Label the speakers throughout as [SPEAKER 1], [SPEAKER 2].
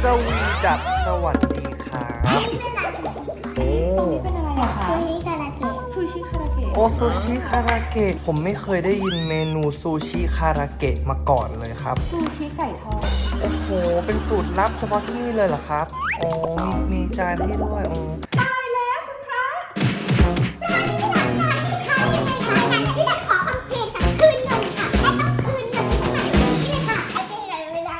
[SPEAKER 1] สวีดับสวัสดีครับโอ้
[SPEAKER 2] เป็นอะไรอะคะ
[SPEAKER 3] ซูชิคาราเกะ
[SPEAKER 2] ซูชิคาราเกะ
[SPEAKER 1] โอซูชิคาราเกะผมไม่เคยได้ยินเมนูซูชิคาราเกะมาก่อนเลยครับ
[SPEAKER 2] ซูชิไก่ทอด
[SPEAKER 1] โอ้โห เป็นสูตรลับเฉพาะที่นี่เลยเหรอครับโอ้มีจานให้ด้วยโอ้
[SPEAKER 2] ตายแล้วคุณพระ
[SPEAKER 3] ที่จะขอคำเพลงค่ะคืนนมค่ะและต้องคืนนมนี่ค่ะโอเคเวลา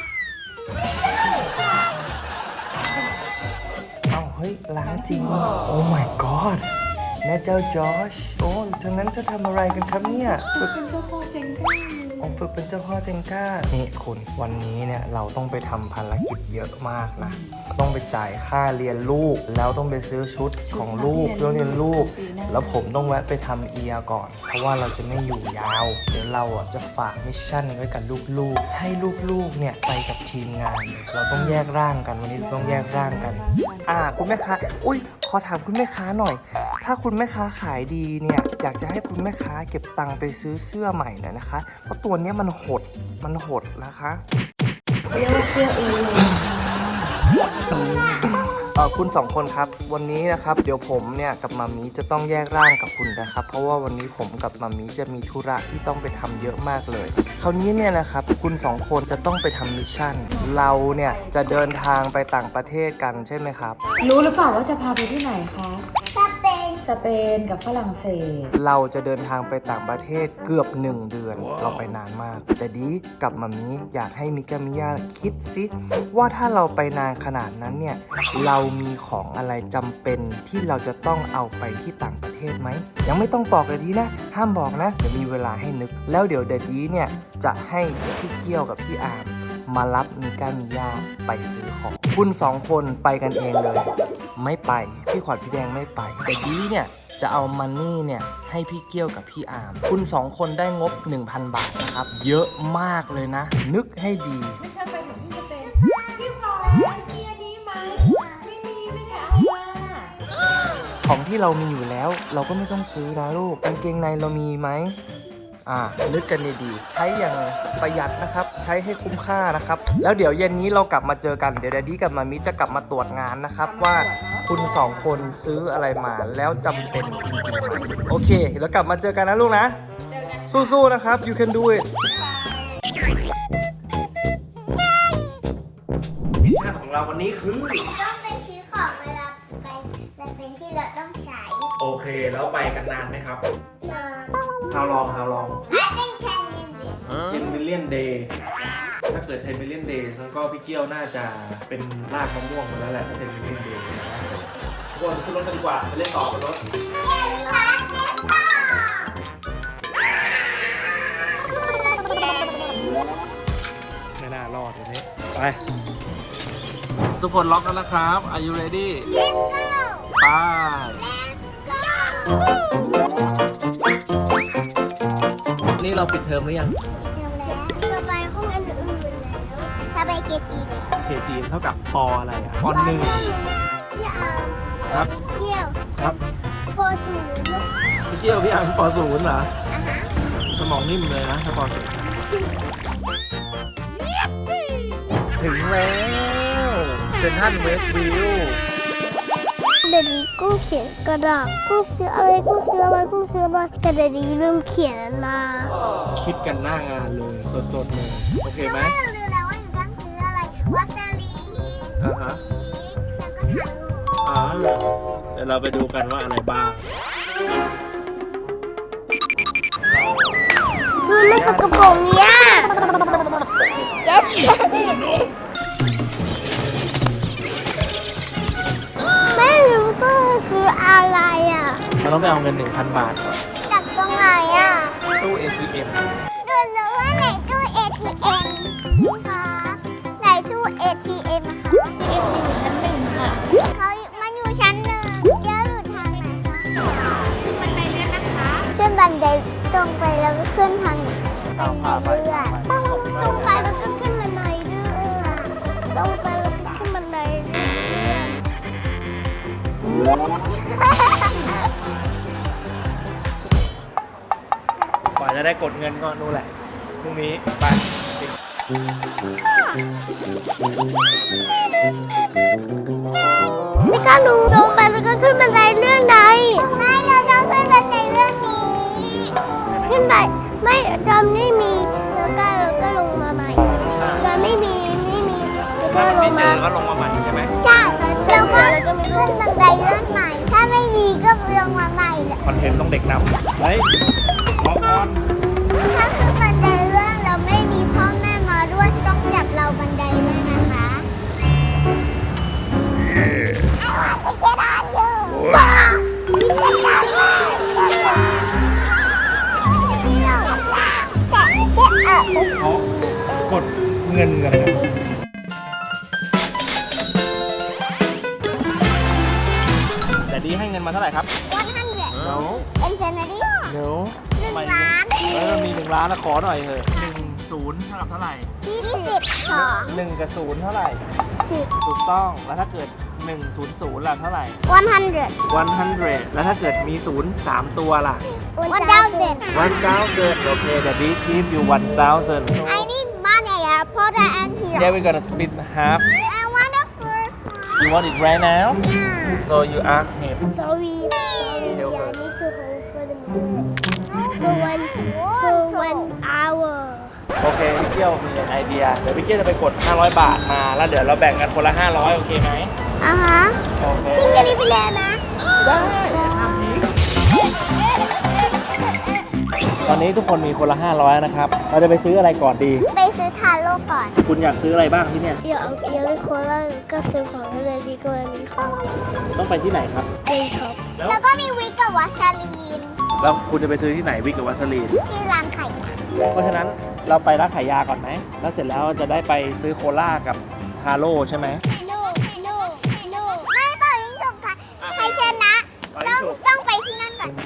[SPEAKER 1] เอ้าเฮ้ยล้างจริงโอ้ my god แม่เจ้าจอชโอ้ทางนั้นจะทำอะไรกันครับเนี่ย
[SPEAKER 2] เป็นเจ้าพ่อเจงก้า
[SPEAKER 1] ผมฝึกเป็นเจ้าพ่อเจงก้า นี่คุณวันนี้เนี่ยเราต้องไปทำภารกิจเยอะมากนะ ต้องไปจ่ายค่าเรียนลูก แล้วต้องไปซื้อชุดของลูกต้องเรียนลูก แล้วผมต้องแวะไปทำเอียก่อน เพราะว่าเราจะไม่อยู่ยาว เดี๋ยวเราอ่ะจะฝากมิชชั่นไว้กับลูกๆ ให้ลูกๆเนี่ยไปกับทีมงาน เราต้องแยกร่างกันวันนี้เราต้องแยกร่างกัน คุณแม่ค้า อุ้ยขอถามคุณแม่ค้าหน่อย ถ้าคุณแม่ค้าขายดีเนี่ยอยากจะให้คุณแม่ค้าเก็บตังค์ไปซื้อเสื้อใหม่หน่อยนะคะ เพราะตัวเนี้ยมันหดนะคะ
[SPEAKER 2] เรียกว่าเสื้อเองเลย
[SPEAKER 1] คุณสองคนครับวันนี้นะครับเดี๋ยวผมเนี่ยกับมามีจะต้องแยกร่างกับคุณนะครับเพราะว่าวันนี้ผมกับมามีจะมีธุระที่ต้องไปทำเยอะมากเลยคราวนี้เนี่ยนะครับคุณสองคนจะต้องไปทำมิชชั่นเราเนี่ยจะเดินทางไปต่างประเทศกันใช่ไหมครับ
[SPEAKER 2] รู้หรือเปล่าว่าจะพาไปที่ไหนคะ
[SPEAKER 3] สเปน
[SPEAKER 2] สเปนกับฝรั่งเศส
[SPEAKER 1] เราจะเดินทางไปต่างประเทศเกือบ1 เดือนเราไปนานมาก แต่ดีกับมามีอยากให้มิกามิยาคิดซิว่าถ้าเราไปนานขนาดนั้นเนี่ยเรามีของอะไรจำเป็นที่เราจะต้องเอาไปที่ต่างประเทศไหมยังไม่ต้องบอกเลยดีนะห้ามบอกนะเดี๋ยวมีเวลาให้นึกแล้วเดี๋ยวเดดีเนี่ยจะให้พี่เกี้ยวกับพี่อาร์มมารับมิกามิยาไปซื้อของคุณสองคนไปกันเองเลย ไม่ไปพี่ขวัญพี่แดงไม่ไปแต่ดีเนี่ยจะเอามันนี่เนี่ยให้พี่เกี้ยวกับพี่อาร์มคุณสองคนได้งบ 1,000 บาทนะครับเยอะมากเลยนะ นึกให้ดี
[SPEAKER 2] ไม่ใช่ไปถึงที่สเปนพี่พลอยมีอันนี้ไหมไม่ได้เอามา
[SPEAKER 1] ของที่เรามีอยู่แล้วเราก็ไม่ต้องซื้อนะลูกกางเกงในเรามีไหมนึกกันดีๆใช้อย่างประหยัดนะครับใช้ให้คุ้มค่านะครับแล้วเดี๋ยวเย็นนี้เรากลับมาเจอกันเดี๋ยวแดดดี้กับมามิจะกลับมาตรวจงานนะครับว่าคุณสองคนซื้ออะไรมาแล้วจำเป็นจริงๆไหมโอเคแล้วกลับมาเจอกันนะลูกนะสู้ๆนะครับ you can do it มิชชั่นของเราวันนี้คือ
[SPEAKER 3] ต้องไปซื้อของเวลาไปสเปนที่เราต้องใช้
[SPEAKER 4] โอเคแล้วไปกันนานไหมครับ
[SPEAKER 3] นอน
[SPEAKER 4] How long
[SPEAKER 3] I think 10 minutes
[SPEAKER 4] 10 million day ถ้าเกิด10 million days แล้วก็พี่เกี้ยวน่าจะเป็นรากมะม่วงไปแล้วแหละถ้า10 million days ทุกคนขึ้นรถกันดีกว่าไปเล่นต่อบนรถไม่น่ารอดวันนี้ไปทุกคนล็อกแล้วนะครับ Are you ready
[SPEAKER 3] Let's go
[SPEAKER 4] ไป นี่เราปิดเทอมหรือยัง
[SPEAKER 3] เดี๋ยวแล้วจะไปห้องอื่นๆแล้วถ้าไปเกจีเนี่ย
[SPEAKER 4] เคจีเท่ากับปออะไรอ่ะปอหนึ่ง
[SPEAKER 3] พี่อาร์ม
[SPEAKER 4] ครับ
[SPEAKER 3] เกี่ยว
[SPEAKER 4] ครับ
[SPEAKER 3] โพสูง
[SPEAKER 4] พี่เกี้ยวพี่อังปอศูนย์เหรอ
[SPEAKER 3] อ่ะฮะ
[SPEAKER 4] สมองนิ่มเลยนะถ้าปอศูนย์
[SPEAKER 1] ถึงแล้วเซ็นทรัลเวสต์วิว
[SPEAKER 3] เดี๋ยวนี้กูเขียนกระดาษกูซื้ออะไรกูซื้ออะไรกูซื้ออะไรแต่เดี๋ยวนี้ลืมเขียนมา
[SPEAKER 4] คิดกันหน้างานเลยสดๆเลยโอเคไหม
[SPEAKER 3] เราลืมแล้วว่าหนูต้องซื้ออะไรวัสลีน
[SPEAKER 4] อ่าฮะ
[SPEAKER 3] แล้วก็ถัง
[SPEAKER 4] เดี๋ยวเราไปดูกันว่าอะไรบ้าง
[SPEAKER 3] มันไม่สกปรกเนี่ย yes ไม่รู้ก็ซื้ออะไรอ่ะ
[SPEAKER 4] เราต้องไปเอาเงิน 1,000 บาทก่อน
[SPEAKER 3] จากตรงไหนอ่ะ
[SPEAKER 4] ตู้ ATM
[SPEAKER 3] ดูรู้ว่าไหนตู้ ATM นี่คะไหนตู้ ATM คะ
[SPEAKER 2] อยู่ชั้นหนึ่งค่ะ
[SPEAKER 3] เขามันอยู่ชั้นหนึ่งเยอะอยู่ทางไหนคะ
[SPEAKER 2] บันไดเลื่อนนะคะ
[SPEAKER 3] ขึ้นบันไดตรงไปแล้วก็ขึ้นทาง
[SPEAKER 4] เอาพาไป
[SPEAKER 3] เรื่อยตรงไปแล้วก็ขึ้นบันไดเรื่อยตรงไปแล้วก็ขึ้นบันไดเรื่อย
[SPEAKER 4] กว่าจะได้กดเงินก็นู่นแหละพรุ่งนี้ไป
[SPEAKER 3] ไม่กล้ารู้ลงไปแล้วก็ขึ้นบันไดเรื่องใดไม่เราต้องขึ้นบันไดเรื่องนี้ขึ้นไปไม่จำไม่มีแล้วก็ลงมาใหม่จำไม่มีแล้วก็ล
[SPEAKER 4] ไม่
[SPEAKER 3] ง
[SPEAKER 4] เจ
[SPEAKER 3] มา
[SPEAKER 4] อก็ลงมาใหม่ใช่ไหม
[SPEAKER 3] ใช่แล้วก็ขึ้นบันไดเลื่อนใหม่ ถ้าไม่มีก็ลงมาใหม่แหละ
[SPEAKER 4] คอนเทนต์ต้องเด็กนำเฮ้ยมองก่อน
[SPEAKER 3] ถ้าขึ้นบันไดเลื่อนเราไม่มีพ่อแม่มาด้วยต้องจับเราบันไดด้วยนะคะบ้า
[SPEAKER 4] เขากดเงินกันนะแต่ดีให้เงินมาเท่าไหร่ครับ
[SPEAKER 3] 100 Infinity
[SPEAKER 4] เดี๋ยว
[SPEAKER 3] 1 ล้าน
[SPEAKER 4] มี1 ล้านนะขอหน่อยเถอะ10เท่ากับเท่าไหร่
[SPEAKER 3] 20ของ
[SPEAKER 4] 1 กับ 0 เท่าไหร่
[SPEAKER 3] 10
[SPEAKER 4] ถูกต้อง แล้วถ้าเกิด 100ล่ะเท่าไหร่
[SPEAKER 3] 100
[SPEAKER 4] 100 แล้วถ้าเกิดมี 0 3 ตัวล่ะ
[SPEAKER 3] 1000
[SPEAKER 4] 1,000 โอเคเดี๋ยวดี give you 1,000
[SPEAKER 3] I need money I put it in here
[SPEAKER 4] yeah we're gonna split half
[SPEAKER 3] I want the first one
[SPEAKER 4] you want it right now
[SPEAKER 3] yeah
[SPEAKER 4] so you ask him
[SPEAKER 3] sorry I need to hold for the minute for 1 hour
[SPEAKER 4] โอเคพี่เกี้ยวมีไอเดียเดี๋ยวพี่เกี้ยวจะไปกด500 บาทมาแล้วเดี๋ยวเราแบ่งกันคนละ500โอเคไหม
[SPEAKER 3] อ่ะฮะ
[SPEAKER 4] โอเค
[SPEAKER 3] พี่จะรีบไปแล้วนะ
[SPEAKER 4] ได้ห้ามทิ้งตอนนี้ทุกคนมีคนละ500นะครับเราจะไปซื้ออะไรก่อนดี
[SPEAKER 3] ไปซื้อทาโร่ก่อน
[SPEAKER 4] คุณอยากซื้ออะไรบ้างที่เนี่ย
[SPEAKER 3] อยากเล่นโคลาก็ซื้อของเลยดีกว่ามีของ
[SPEAKER 4] ต้องไปที่ไหนครับ
[SPEAKER 3] เล่นช็อป
[SPEAKER 4] แล้ว
[SPEAKER 3] แล้วก็มีวิกกับวัสลีน
[SPEAKER 4] แล้วคุณจะไปซื้อที่ไหนวิกกับวัสลีน
[SPEAKER 3] ที่ร้านไข่
[SPEAKER 4] เพราะฉะนั้นเราไปร้านขายยาก่อนไหมแล้วเสร็จแล้วจะได้ไปซื้อโคลากับฮาโร่ใช่ไหม
[SPEAKER 3] no ไม่เป่ายิงฉุบค่ะใครชนะ
[SPEAKER 4] เป่ายิงฉุบ
[SPEAKER 3] ต้องไปที่นั่นก่อน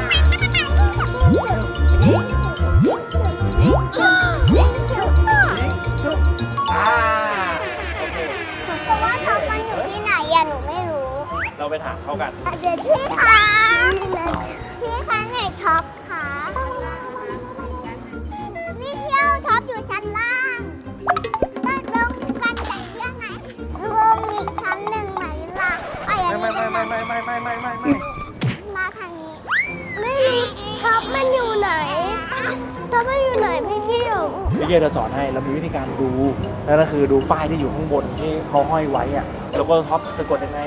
[SPEAKER 4] อ่าโอเค
[SPEAKER 3] เพราะว่าท็อปมันอยู่ที่ไหนอะหนูไม่รู้
[SPEAKER 4] เราไปถามเขากัน
[SPEAKER 3] เดี๋ยวพี่คะไหนท็อปคะนี่เที่ยวท็อปอยู่ชั้นล่างต้องลงกันไหนเรื่องไหนลงอีกชั้นหนึ่งไหมล่ะไอ้อันนี้
[SPEAKER 4] ไม่
[SPEAKER 3] มาทางนี้ ไม่รู้ท็อปมันอยู่ไหนท็อปมันอยู่ไหนพี่เที่ยว
[SPEAKER 4] พี่เกียร์จะสอนให้เรามีวิธีการดูนั่นก็คือดูป้ายที่อยู่ข้างบนที่เขาห้อยไว้อะแล้วก็ท็อปสะกดยังไง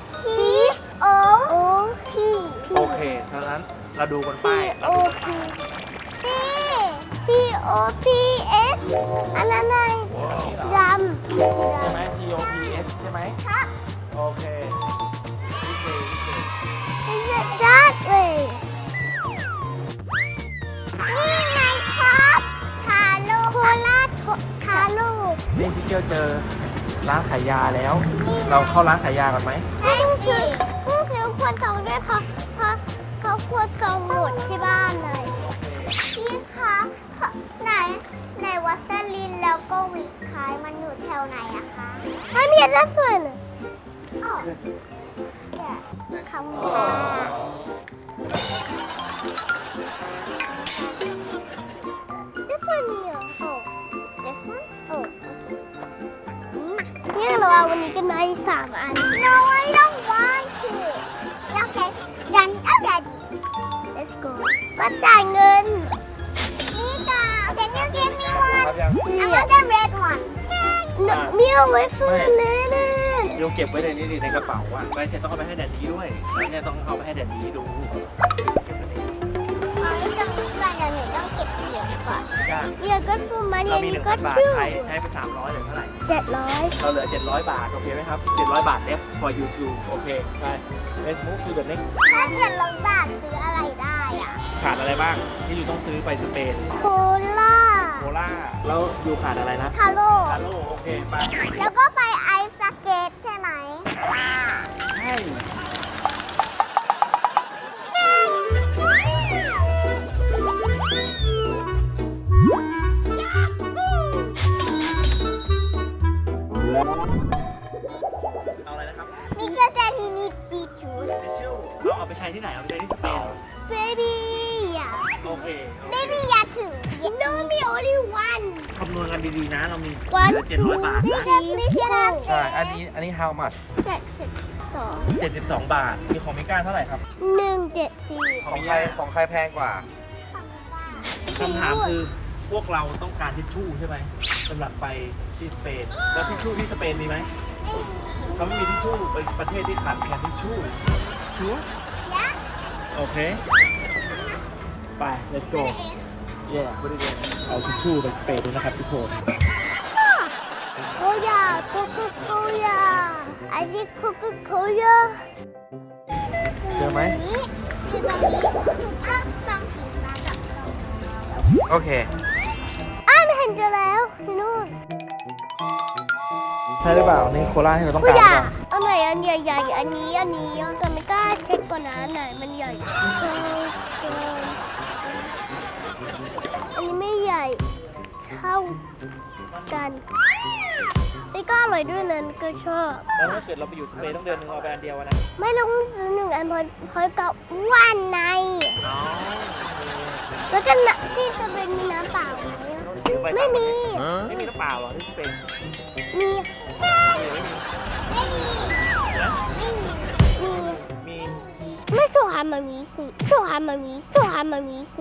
[SPEAKER 3] P
[SPEAKER 4] โอเคดังนั้นเราดูบนป้ายเราดูบนป้าย
[SPEAKER 3] P O P S อันนั้นไงดำ
[SPEAKER 4] ใช่ไหม T O P S ใช่ไหม
[SPEAKER 3] ครับ
[SPEAKER 4] โอเคโอเค
[SPEAKER 3] Is it that way นี่ไงครับทาโร่โคราชทาโร่
[SPEAKER 4] นี่พี่เกียวเจอร้านขายยาแล้ว เราเข้าร้านขายยาก่อนไหม
[SPEAKER 3] ใช่สิเพิ่งซื้อขวดซองด้วยเพราะขวดซองหมดที่บ้านเลยพี่คะไหนวัสลินแล้วก็วิกขายมันอยู่แถวไหนอะคะไม่มีอะไรส่วนอ๋อคำว่า This one here. Oh, this one? Oh, okay. เนี่ยเราเอาวันนี้กันไหม3 อัน No, I don't want to. Okay, done already. Let's go. มาจ่ายเงิน Mika, can you give me
[SPEAKER 4] ค
[SPEAKER 3] one?
[SPEAKER 4] รับยัง
[SPEAKER 3] I want the red one. No, มีเอาไว้ซื้อเนื้อ
[SPEAKER 4] โยเก็บไว้ในนี้ดิในกระเป๋าอ่ะไปเสร็จต้องเอาไปให้แดดดี้ด้วยแล้วเนี่ยต้องเอาไปให้แดดดี้ดูเก็บไว้ในนี้
[SPEAKER 3] เอาไว้ตรงนี้ก่อนเดี๋ยวหนูต้องเก็บเหรียญก่อน
[SPEAKER 4] ยาก
[SPEAKER 3] เดี๋ยวก็ซื้อมา
[SPEAKER 4] เรา
[SPEAKER 3] เย็น
[SPEAKER 4] มี
[SPEAKER 3] นี้ก็
[SPEAKER 4] 1,000 บาท
[SPEAKER 3] ชื่อ
[SPEAKER 4] ใช้ไป300เหลือเท่าไหร่
[SPEAKER 3] 700
[SPEAKER 4] เราเหลือ700 บาทโอเคไหมครับ700 บาท left for YouTube โอเคไป let's move to the next
[SPEAKER 3] ถ้า700 บาทซื้ออะไรได้อะ
[SPEAKER 4] ขาดอะไรบ้างที่อยู่ต้องซื้อไปสเปน
[SPEAKER 3] โคล่า
[SPEAKER 4] โคล่าแล้วอยู่ขาดอะไรนะ
[SPEAKER 3] ทาโร่
[SPEAKER 4] คาโร่โอเคไป
[SPEAKER 3] แล้วก็ไปไอซ์สเก็ตใช่ไหม
[SPEAKER 4] ใช่เอาอะไรนะครับ
[SPEAKER 3] มีกระแสที่มีจีจูส
[SPEAKER 4] ทิชชู่เอาไปใช้ที่ไหนเอาไปใช้ที่สเปน
[SPEAKER 3] baby ยา
[SPEAKER 4] โอเค
[SPEAKER 3] Baby ยาถึง No me only one
[SPEAKER 4] คำนวณกันดีๆนะ เรามี
[SPEAKER 3] one
[SPEAKER 4] 700 บาท
[SPEAKER 3] Big
[SPEAKER 4] นะ
[SPEAKER 3] please
[SPEAKER 1] ใช่ อันนี้ how much
[SPEAKER 3] 72
[SPEAKER 4] 72 บาท มีของมิก้าเท่าไหร่ครับ
[SPEAKER 3] 174
[SPEAKER 1] ของใครแพงกว่า
[SPEAKER 4] คำถามคือพวกเราต้องการทิชชู่ใช่ไหมสำหรับไปที่สเปน แล้วทิชชู่ที่สเปนมีไหมเขาไม่มีทิชชู่เป็นประเทศที่ขาดแคลนทิชชู่ชัวร์
[SPEAKER 3] Yeah
[SPEAKER 4] โอเค ไป let's go yeah พูดดีๆเอาทิชชู่ไปสเปนด้วยนะครับทุกคน
[SPEAKER 3] Cola Coca-Cola I think Coca-Cola
[SPEAKER 1] เจอไหม
[SPEAKER 3] คือตรงนี้ชอบซองสีฟ้ากับซองสีเขียว
[SPEAKER 1] โอเค
[SPEAKER 3] ไม่เห็นเจอแล้วที่นู่น
[SPEAKER 4] ใช่หรือเปล่า นี่โคราชที่เราต้อง
[SPEAKER 3] ผู้
[SPEAKER 4] การห
[SPEAKER 3] ให
[SPEAKER 4] รือ
[SPEAKER 3] ญ่
[SPEAKER 4] เปล่า
[SPEAKER 3] อันไหนอันใหญ่ๆอันนี้แต่ไม่กล้าเช็คก่อนนะอันไหนมันใหญ่อันนี้ไม่ใหญ่เท่ากันไม่กล้าอร่อยด้วยนั้นก็ชอบ
[SPEAKER 4] แล้วถ้าเกิดเราไปอยู่สเปนต้องเดือนหนึงเอาไปอันเดียวอะนะ
[SPEAKER 3] ไม่ต้องซื้อหนึ่งอันเพราะกับว่านใน
[SPEAKER 4] อ๋อ
[SPEAKER 3] แล้วก็น้ำที่จะเป็นมีน้ำเปล่าไหมไม่มี
[SPEAKER 4] ไม่มีน้ำเปล่าเหรอที่สเปน
[SPEAKER 3] มี
[SPEAKER 4] ไม่มี
[SPEAKER 3] ไม่มี
[SPEAKER 4] มี
[SPEAKER 3] ไม่ถูกหามามีสิถูกหามามีสิ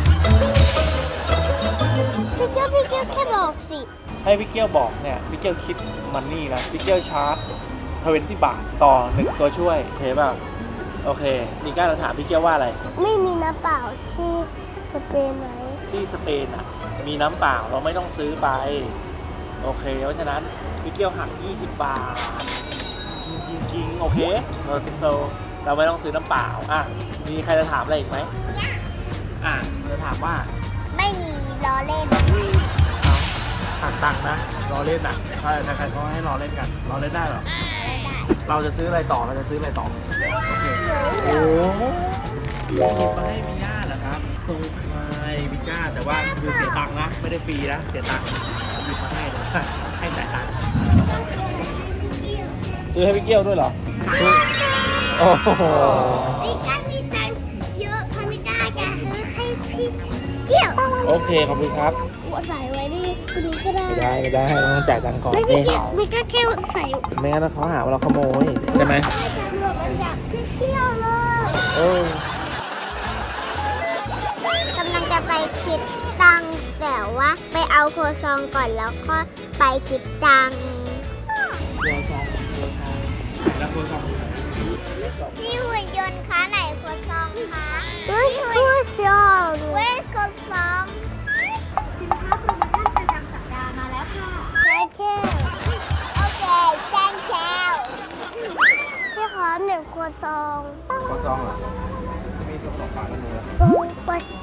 [SPEAKER 3] พี่เจ้าแค่บอกสิ
[SPEAKER 4] ให้พี่เกี้ยวบอกเนี่ยพี่เกี้ยวคิดมันนี่นะพี่เกี้ยวชาร์จ20 บาทต่อ1ตัวช่วยโอเคป่ะโอเคมีการถามพี่เกี้ยวว่าอะไร
[SPEAKER 3] ไม่มีน้ำเปล่าที่สเปนไหม
[SPEAKER 4] ที่สเปนอ่ะมีน้ำเปล่าเราไม่ต้องซื้อไปโอเคเพราะฉะนั้นพี่เกี้ยวหัก20 บาทกิงโอเคเราไม่ต้องซื้อน้ำเปล่าอ่ะมีใครจะถามอะไรอีกไหมอ่ะจะถามว่า
[SPEAKER 3] ไม่มีล้อเล่น
[SPEAKER 4] หักตังค์นะรอเล่นอ่ะใช่ใครๆเขาให้รอเล่นกันรอเล่นได้เหรอเราจะซื้ออะไรต่อโอเคโอ้หยิบมาให้มิย่าเหรอครับทรงคลายมิย่าแต่ว่าคือเสียตังค์นะไม่ได้ฟรีนะเสียตังค์หยิบมาให้เลยให้จ่ายตังค์ซื้อให้พี่เกี้ยวด้วยเหรอโอ้โห
[SPEAKER 3] พี่ก้ามีตังค์เยอะพอไม่กล้าจะซื้อให้พี่เกี่ยว
[SPEAKER 4] โอเคขอบคุณครับ
[SPEAKER 3] ใส่ไว้นี่คุณก็ได้
[SPEAKER 4] ไม่ได้ต้องจ่ายตังค์ก่อน
[SPEAKER 3] ไม่พี่เกี่ยวมีก็แค่ใส่
[SPEAKER 4] ไม่งั้นเขาหาว่าเราขโมยใช่ไหม
[SPEAKER 3] ใส่จากหมวกมาจากพี่เกี่ยวเลย
[SPEAKER 4] เออก
[SPEAKER 3] ำลังจะไปคิดตังค์แต่ว่าไปเอาโคซองก่อนแล้วก็ไปคิดตังค์
[SPEAKER 4] ตัวซองแล้วตัวซอง
[SPEAKER 3] พี่หุ่นยนต์คะไหนโคซองคะWhere's Coulson Where's Coulson สินค้าโปรโมชั่นประจำสัปดาห์มาแล้วค่ะ Thank you โอเค Thank you พี่ขอ1โคซอง
[SPEAKER 1] ก็ซองเหรอ จะมี2ฝาแล้วมือ
[SPEAKER 3] ตรงปัด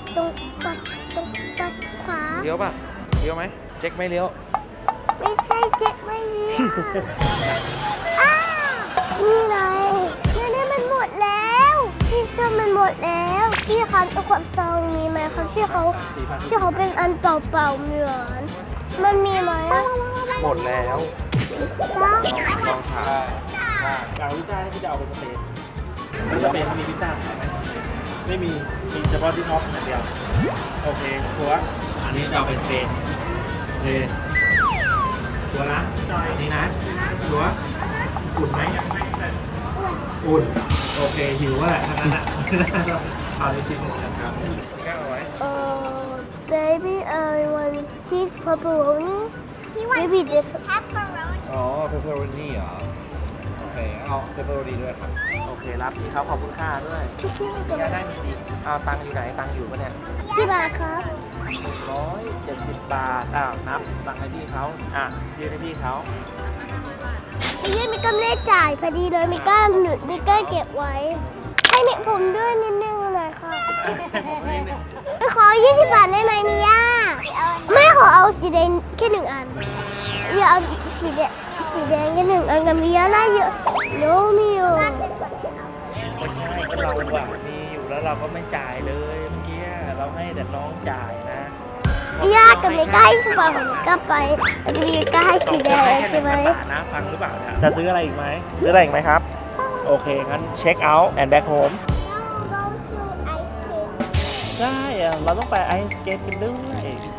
[SPEAKER 3] ขวา
[SPEAKER 1] เลี้ยวป่ะ เลี้ยวไหม เจ๊กไม่เลี้ยว
[SPEAKER 3] ไม่ใช่เจ็คไม่เลี้ยวอ้านี่ไงนี่มันหมดแล้วที่เชื่อมันหมดแล้วพี่คะตัวขวดซองมีไหมคะที่เขาเป็นอันเปล่าๆเหมือนมันมีไหมอะ
[SPEAKER 1] หมดแล้ว ลองถาม
[SPEAKER 4] เอาพิซซ่าที่พี่จะเอาไปสเปนสเปนมีพิซซ่าไหมไม่มีเฉพาะที่ท็อปอย่างเดียวโอเคชัวร์อันนี้จะเอาไปสเปนโอเคชัวร์นะอันนี้นะชัวร์อุ่นไหมอุ่นโอเคหิวว่าทั้งนั้นอ่ะเอาในชิ้นหนึ่งนะครับแก้วเอาไว้
[SPEAKER 3] baby I want cheese pepperoni baby this pepperoni
[SPEAKER 1] อ๋อ เพปเปอโรนี่เหรอ โอเค เอาเพปเปอโรนี่ด้วยครับ
[SPEAKER 4] โอเครับที่เขาขอบคุณค่าด้วยย่าได้มีดีเอาตังค์อยู่ไหนตังค์อยู่ปะเนี่ย
[SPEAKER 3] กี่บาทครับ
[SPEAKER 4] 170 บาทอ้าวนับตังค์ให้พี่เขายื่นให้พี่เขา
[SPEAKER 3] พี่ยี่มีกำเลจ่ายพอดีเลยมีก้าเก็บไว้ ให้มิผมด้วยนิดนึงเลยค่ะ ขอ20 บาทได้ไหมมิย่าไม่ขอเอาสีแดงแค่1 อันอย่าเอาสีแดงแค่1 อันกับมิย่าได้เยอะโนมิโอ
[SPEAKER 4] ไม่ใช่ก็เราอะมีอยู่แล้วเราก็ไม่จ่ายเลยเมื่อกี้เราให้แต่น้องจ่ายนะ
[SPEAKER 3] มิย่ากับมิก้าให้2 บาทผมก็ไปแล้วมิก้าให้สีแดงใช่ไหม
[SPEAKER 4] บาทนะฟังหรือเปล่าเนี่ยจะซื้ออะไรอีกไหมซื้ออะไรอีกไหมครับโอเคงั้นเช็คเอาท์ and back home ใช่อะเราต้องไปไอซ์สเกตกันด้วย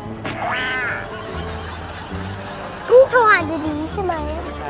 [SPEAKER 3] กุ้งโทรหาดีๆใช่ไหม
[SPEAKER 4] ใช่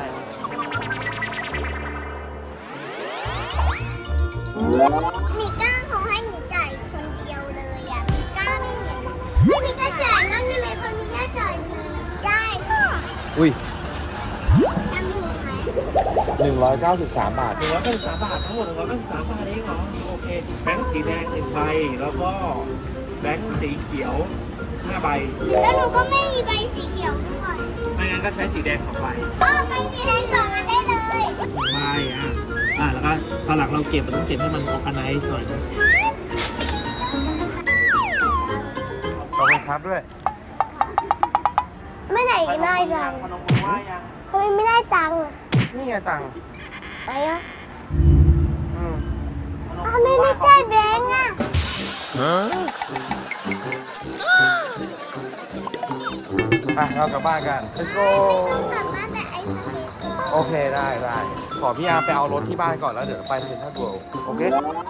[SPEAKER 3] มีก้าเขาให้หนูจ่ายคนเดียวเลยอ่ะมีก้าไม่เห็นไม่มีก้าจ่ายมั่งได้ไหมเพราะมีก้าจ่ายมือได้ค่ะ
[SPEAKER 1] อุ้ย
[SPEAKER 3] จำถูกไหม
[SPEAKER 1] 193 บาท
[SPEAKER 4] 193 บาททั้งหมด193 บาทเองเหรอโอเคแบงค์สีแดง1ใบแล้วก็แบงค์สีเขียว5ใบ
[SPEAKER 3] แล้วหนูก็ไม่มีใบสีเขียวด้วย
[SPEAKER 4] ไม่งั้นก็ใช้สีแดง2ใบ
[SPEAKER 3] ใบสีแดงสองอันได้เลย
[SPEAKER 4] 1ใบแล้วก็ตอนหลังเราเก็บมันต้องเก็บให้มันออร์แกไนซ์หน่อยนะ
[SPEAKER 1] ขอบคุณครับด้วย
[SPEAKER 3] ไม่ไหนได้ตังค์
[SPEAKER 4] พนมมือไหว้ยัง
[SPEAKER 3] ทำไมไม่ได้ตังค์อ่ะ
[SPEAKER 1] นี่ไงตังค์
[SPEAKER 3] ไหนอ่ะ
[SPEAKER 1] อืม
[SPEAKER 3] ทำไมไม่ใช่แบงค์อ่ะ
[SPEAKER 1] อ่ะเรากลับบ้านกัน let's go
[SPEAKER 3] กลับบ้านแต่ไอ้สเก็ตก่อน
[SPEAKER 1] โอเคได้ขอพี่อาร์มไปเอารถที่บ้านก่อนแล้วเดี๋ยวไปเซ็นทรัลเวิลด์โอเค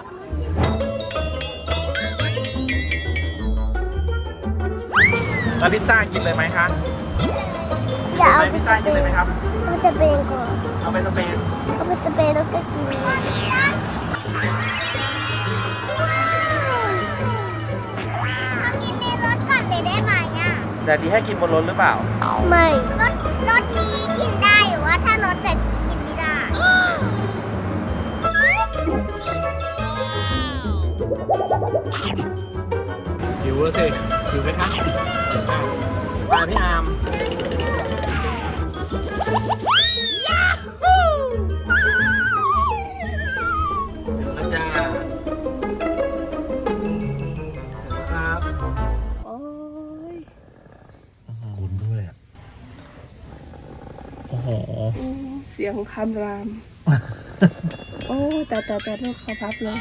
[SPEAKER 4] แล้วพิซซ่ากินเลยไหมคะ
[SPEAKER 3] อย่าเอา
[SPEAKER 4] ไป
[SPEAKER 3] ไป
[SPEAKER 4] พิซ
[SPEAKER 3] ส
[SPEAKER 4] ซ่า
[SPEAKER 3] เป
[SPEAKER 4] กินเลยไหม
[SPEAKER 3] น
[SPEAKER 4] ครับ
[SPEAKER 3] เอาไปสเปนก่อน
[SPEAKER 4] เอาไปสเปน
[SPEAKER 3] เอาไปสเปนแล้วก็กินกินในรถก่อนเลยได้ไหมอ่ะ
[SPEAKER 4] แต่ดีให้กินบนรถหรือเปล่า
[SPEAKER 3] ไม่รถนี้กินได้หรือว่าถ้ารถแต่กินไม่ได้
[SPEAKER 4] หิวแล้วสิหิวไหมคะมาพี่อาร์มถึงแล้วจ้าถึงแล้วครับโอ้ยกุนด้วยอ่ะโอ้โห
[SPEAKER 2] เสียงคำราม โอ้แต่ลูกเขาพับเลย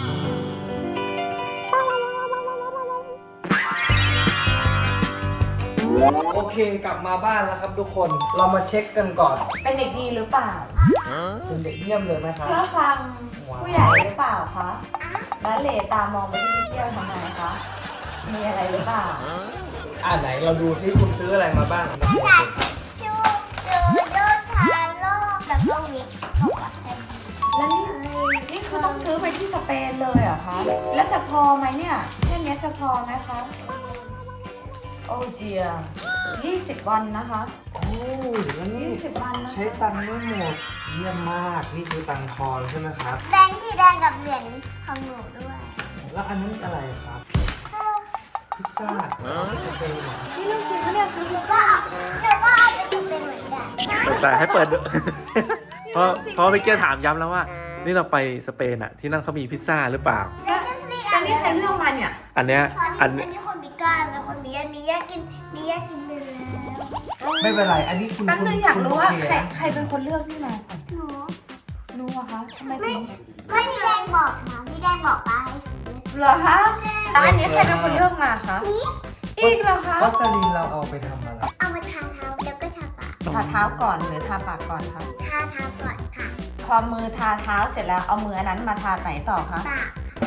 [SPEAKER 1] โอเคกลับมาบ้านแล้วครับทุกคนเรามาเช็คกันก่อน
[SPEAKER 5] เป็นเด็กดีหรือเปล่า
[SPEAKER 1] เป็นเด็กเยี่ยมเลยไหมครับ
[SPEAKER 5] เชื่อฟังผู้ใหญ่หรือเปล่าคะและเหลตามองไปที่พี่เที่ยวทำไมคะ มีอะไรหรือเปล่า
[SPEAKER 1] ไหนเราดูซิคุณซื้ออะไรมาบ้าง
[SPEAKER 3] กระดาษทิชชู่โดโดทาโร่แล้วก็วิกของวัสดุ
[SPEAKER 5] แล้วนี่คือต้องซื้อไปที่สเปนเลยเหรอคะ แล้วจะพอไหมเนี่ยแค่นี้จะพอไหมคะ โอ้เจีย20 วันนะคะ
[SPEAKER 1] โอ้ยแล้วนี่
[SPEAKER 5] 20 วันนะ
[SPEAKER 1] ใช้ตังค์ไม่หมดเยี่ยมมากนี่คือตังค์ทอนใช่ไหมครับ
[SPEAKER 3] แบงค์สีแดงกับเหรียญของหนูด้วย
[SPEAKER 1] แล้วอันนั้นอะไรครับ พิซซ่าสเปนเหรอ
[SPEAKER 5] นี่เรื่องจริงเขาเนี่ยซื้อพิซ
[SPEAKER 3] ก็
[SPEAKER 5] ซ่า
[SPEAKER 3] หนูก็เอาไปทำเป็นเหมือนกัน
[SPEAKER 4] แต่ให้เปิดด้วยเพราะพี่เกียร์ถามย้ำแล้วว่า นี่เราไปสเปนอะที่นั่นเขามีพิซซ่าหรือเปล่า
[SPEAKER 5] แต่นี่ใครเลือกมาเนี่ย
[SPEAKER 4] อันเนี้ย
[SPEAKER 3] อั
[SPEAKER 4] อั
[SPEAKER 3] น
[SPEAKER 4] น
[SPEAKER 3] นี้คนมีก้านแล้วคนมียากินไปแล้ว
[SPEAKER 1] ไม่เป็นไร อันนี้คุณ
[SPEAKER 5] แป๊บนึงอยากรู้ว่า
[SPEAKER 1] โอเค
[SPEAKER 5] ใครเป็นคนเลือกนี่มาก่อน
[SPEAKER 3] หนู
[SPEAKER 5] รู้อะคะทำไม
[SPEAKER 3] ไม่
[SPEAKER 5] ถึง
[SPEAKER 3] ไม่พี่แดงบอกนะพี่แดงบอกป้าให้ซื้อ
[SPEAKER 5] เหรอคะแล้วอันนี้ใครเป็นคนเลือกมาคะ
[SPEAKER 3] นี่
[SPEAKER 5] อีกเหรอคะ
[SPEAKER 1] วัสลีนเราเอาไปทำอะไร
[SPEAKER 3] เอามาทาเท้าแล้วก็ทาปาก
[SPEAKER 5] ทาเท้าก่อนหรือทาปากก่อนคะ
[SPEAKER 3] ทาเท้าก่อนค่ะ
[SPEAKER 5] พอมือทาเท้าเสร็จแล้วเอามืออันนั้นมาทาไหนต่อคะ
[SPEAKER 3] ปาก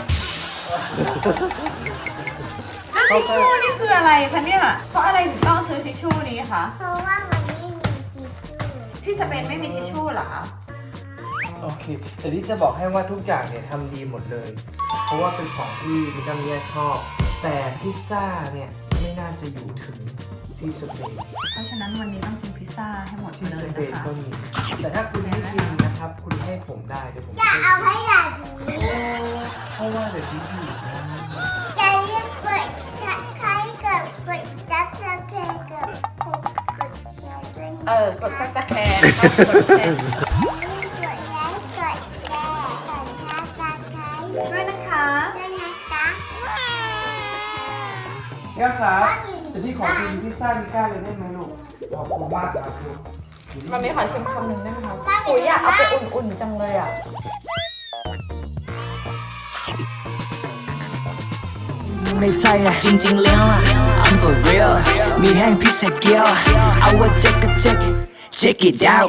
[SPEAKER 5] แล้วทิชชู่นี่คืออะไรคะเนี่ยเพราะอะไรถึงต้องซื้อทิชชู่นี้คะ
[SPEAKER 3] เพราะว่ามันไม่มีทิชชู่
[SPEAKER 5] ที่สเปนไม่มีทิชชู่เหรอคะ
[SPEAKER 1] โอเค แต่ที่จะบอกให้ว่าทุกอย่างเนี่ยทำดีหมดเลย เพราะว่าเป็นของที่มิกามิยาชอบ แต่พิซซ่าเนี่ยไม่น่าจะอยู่ถึงที่สเปน
[SPEAKER 5] เพราะฉะนั้นวันนี้ต้องกินพิซซ่าให้หมด
[SPEAKER 1] ที่
[SPEAKER 5] เล
[SPEAKER 1] ส
[SPEAKER 5] ย
[SPEAKER 1] เปน
[SPEAKER 5] นะคะ
[SPEAKER 1] ก็มี แต่ถ้าคุณไม่กินนะครับ คุณให้ผมได้เดี๋ยวผม
[SPEAKER 3] อย่าเอาให้ดาดี
[SPEAKER 1] เพราะว่าเดี๋ยวพี่ผิดนะ
[SPEAKER 3] อย่าเรียกเปิดใครเกิดเปิดจับจับเคเกิดกดแชร์ด้วยนะ
[SPEAKER 5] กดซักจะแคร์นะคะกดแชร์
[SPEAKER 3] กดไลค์กดแชร์กดซับสไครต์
[SPEAKER 5] ด้วยนะคะ
[SPEAKER 3] ด้วยนะคะ
[SPEAKER 1] ย่าครับแต่ที่ขอกินพิซซ่ามิก้าเลยได้ไหมลูก ขอบคุณมากครับลูก
[SPEAKER 5] มันไม่ขอชิมคำหนึ่งได้ไหมคะปุ๋ยอยากเอาไปอุ่นๆจังเลยอ่ะ
[SPEAKER 6] ในใจอะจริงๆแล้วอะ I'm for real มีแห้งพิเศษเกียวเอาว่าเช็คก็เช็ค check it out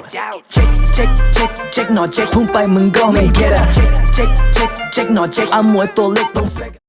[SPEAKER 6] check หน่อยเช็คพุ่งไปมึงก็ไม่ get อะ check หน่อยเช็คเอามวยตัวเล็กต้อง